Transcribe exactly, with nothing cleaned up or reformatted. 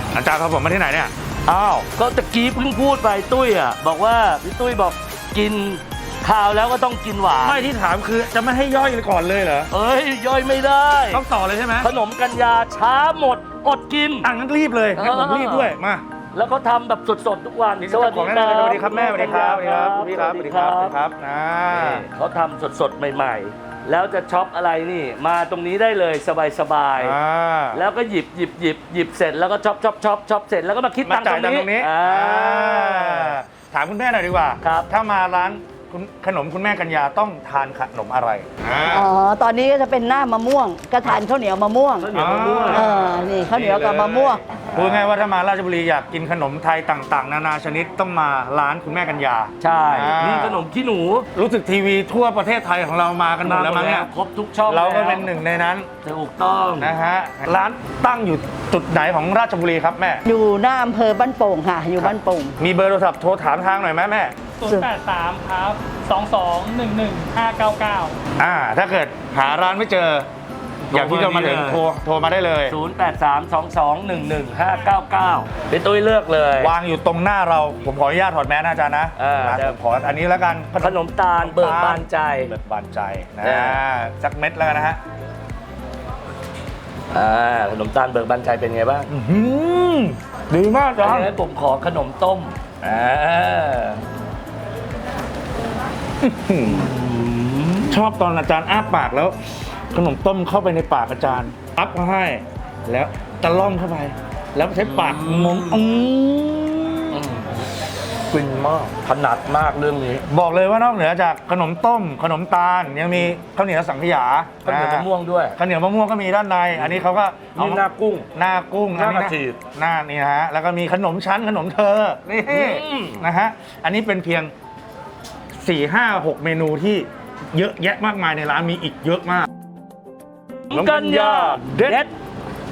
อาจารย์พาผมมาที่ไหนเนี่ยอ้าวก็ตะกี้เพิ่งพูดไปตุ้ยอ่ะบอกว่าพี่ตุ้ยบอกกินข้าวแล้วก็ต้องกินหวานไม่ที่ถามคือจะไม่ให้ย่อยก่อนเลยเหรอเอ้ยย่อยไม่ได้ต้องต่อเลยใช่ไหมขนมกัญญาช้าหมดอดกินอ่ะงั้นรีบเลยงั้นผมรีบด้วยมาแล้วก็ทำแบบสดๆทุกวันสวัสดีครับสวัสดีครับแม่สวัสดีครับสวัสดีครับพี่ครับสวัสดีครับสวัสดีครับนะนี่เขาทำสดๆใหม่ๆ แล้วจะช็อปอะไรนี่มาตรงนี้ได้เลยสบายอ่าๆแล้วก็หยิบหยิบหยิบหยิบเสร็จแล้วก็ช็อปช็อปช็อปช็อปเสร็จแล้วก็มาคิดมาตังค์จ่ายตตัรง งค์ตรงนี้นี้อ่าถามคุณแม่หน่อยดีกว่าครับถ้ามาร้านคุณขนมคุณแม่กัญญาต้องทานขนมอะไรอ่าอ๋อ ตอนนี้ก็จะเป็นหน้ามะม่วงก็ทานข้าวเหนียวมะม่วงข้าวเหนียวมะม่วงเออ นี่ข้าวเหนียวกับมะม่วงพูดง่ายว่าถ้ามาราชบุรีอยากกินขนมไทยต่างๆ นานาชนิดต้องมาร้านคุณแม่กัญญาใช่อ่านี่นี่ขนมขี้หนูรู้สึกทีวีทั่วประเทศไทยของเรามากันหมดแล้วมั้งเนี่ยครบทุกช่องเราก็แล้วเป็นหนึ่งในนั้นถูกต้องนะฮะร้านตั้งอยู่จุดไหนของราชบุรีครับแม่อยู่หน้าอำเภอบ้านโป่งค่ะ อยู่บ้านโป่งมีเบอร์โทรศัพท์โทรถามทางหน่อยไหมแม่ศูนย์แปดสามครับสองสองหนึ่งหนึ่งห้าเก้าเก้าอ่าถ้าเกิดหาร้านไม่เจอ อย่างที่เรามาถึงโทรโทรมาได้เลยศูนย์ แปด สาม สอง สอง หนึ่ง หนึ่ง ห้า เก้า เก้าพี่ตุ้ยเลือกเลยวางอยู่ตรงหน้าเราผมขออนุญาตถอดแมสนะอาจารย์นะอ่านะได้ผมขออันนี้แล้วกันขนมตาลเบิกบานใจเบิกบานใจนะอ่าสักเม็ดแล้วกันนะฮะอ่าขนมตาลเบิกบานใจเป็นไงบ้างอื้อหือดีมากอาจารย์งั้นผมขอขนมต้มอ่าชอบตอนอาจารย์อ้าปากแล้ว ขนมต้มเข้าไปในปากอาจารย์อัพมาให้ แล้วตะล่อมเข้าไป แล้วใช้ปากงมอืมฟินมากถนัดมากเรื่องนี้บอกเลยว่านอกเหนือจากขนมต้ม ขนมตาลยังมีข้าวเหนียวสังขยาข้าวเหนียวมะม่วงด้วยข้าวเหนียวมะม่วงก็มีด้านใน อันนี้เขาก็เอานี่หน้ากุ้งหน้ากุ้งหน้าอักระจีบหน้านี่นะฮะแล้วก็มีขนมชั้นขนมเธอนี่อืมนะฮะอันนี้เป็นเพียงสี่ห้าหกเมนูที่เยอะแยะมากมายในร้านมีอีกเยอะมากกัญญาเด็ด